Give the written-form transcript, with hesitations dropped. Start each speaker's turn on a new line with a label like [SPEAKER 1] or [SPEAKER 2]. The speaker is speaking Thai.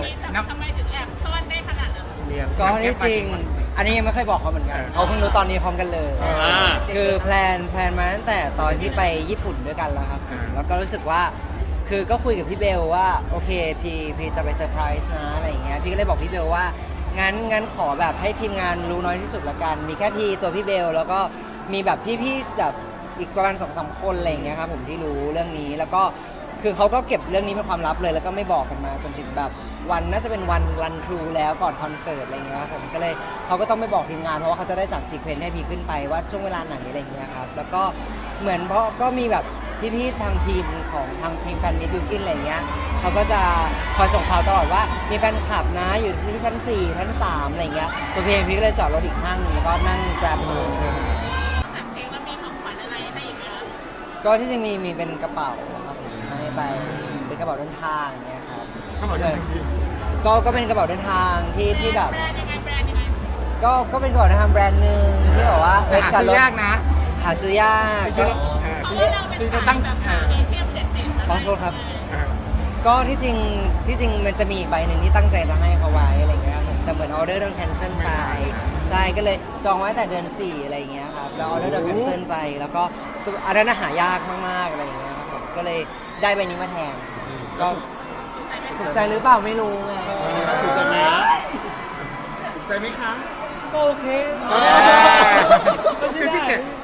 [SPEAKER 1] นี้ทำไมถึงแอบซ่อนได้ขนาดนั้น
[SPEAKER 2] เรียน
[SPEAKER 3] ก็ที่จริง อันนี้ยังไม่เคยบอกเขาเหมือนกันเขาเพิ่งรู้ตอนนี้พร้อมกันเลย คือแพลนมาตั้งแต่ตอนที่ไปญี่ปุ่นด้วยกันแล้วครับแล้วก็รู้สึกว่าคือก็คุยกับพี่เบลว่าโอเคพี่จะไปเซอร์ไพรส์นะอะไรอย่างเงี้ยพี่ก็เลยบอกพี่เบลว่างั้นขอแบบให้ทีมงานรู้น้อยที่สุดละกันมีแค่พี่ตัวพี่เบลแล้วก็มีแบบพี่ๆแบบอีกประมาณ2-3 คนอะไรอย่างเงี้ยครับผมที่รู้เรื่องนี้แล้วก็คือเขาก็เก็บเรื่องนี้เป็นความลับเลยแล้วก็ไม่บอกกันมาจนถึงแบบวันน่าจะเป็นวันรันทรูแล้วก่อนคอนเสิร์ตอะไรอย่างเงี้ยครับผมก็เลยเขาก็ต้องไม่บอกทีมงานเพราะว่าเขาจะได้จัดซีเควนต์ให้พี่ขึ้นไปว่าช่วงเวลาไหนอะไรอย่างเงี้ยครับแล้วก็เหมือนเพราะก็มีแบบพี่ๆทางทีมของทางทีมแฟนมิตรบิวกิ้นอะไรอย่างเงี้ยเขาก็จะคอยส่งข่าวตลอดว่ามีแฟนคลับนะอยู่ที่ชั้น4ชั้น3อะไรอย่างเงี้ยตัวพี่เองพี่ก็เลยจอดรถอีกห้างหนึงแล้วก็นั่งแกร็บมา
[SPEAKER 1] แต่เพลงแล้วมีของขวัญอะไรให้อีกเยอะ
[SPEAKER 3] ก็ที่จริงมีเป็นกระเป๋าครับผมให้ไปเป็นกระเป๋าเดินทางเนี่ยครับ
[SPEAKER 2] เขาบอกด้วยพี่
[SPEAKER 3] ก็เป็นกระเป๋าเดินทางที่แบบ
[SPEAKER 1] แบรนด์ยังไงแบรนด์ยังไง
[SPEAKER 3] ก็เป็นกระเป๋าเดินทางแบรนด์หนึ่งที่แบบว่า
[SPEAKER 2] หาซื้อยากนะ
[SPEAKER 3] หาซื้อยาก
[SPEAKER 2] ที่
[SPEAKER 3] ก็
[SPEAKER 1] เพราะว่าเราเป็นสายแบบหาไอเทมเด็ดๆ
[SPEAKER 3] ขอโทษครับ
[SPEAKER 2] เออ
[SPEAKER 3] ก็ที่จริงมันจะมีอีกใบหนึ่งที่ตั้งใจจะให้เขาไว้อะไรเงี้ยครับผมแต่เหมือนออเดอร์โดนแคนเซิลไปใช่ก็เลยจองไว้แต่เดือน4อะไรเงี้ยครับแล้วออเดอร์โดนแคนเซิลไปแล้วก็ตัวอันนั้นหายากมากๆอะไรเงี้ยครับผมก็เลยได้ใบนี้มาแทนก็ถูกใจหรือเปล่าไม่รู้ไง
[SPEAKER 2] ถูกใจไหมถูกใจไหมคะ
[SPEAKER 4] ก็โอเค
[SPEAKER 2] คือที่เก็บ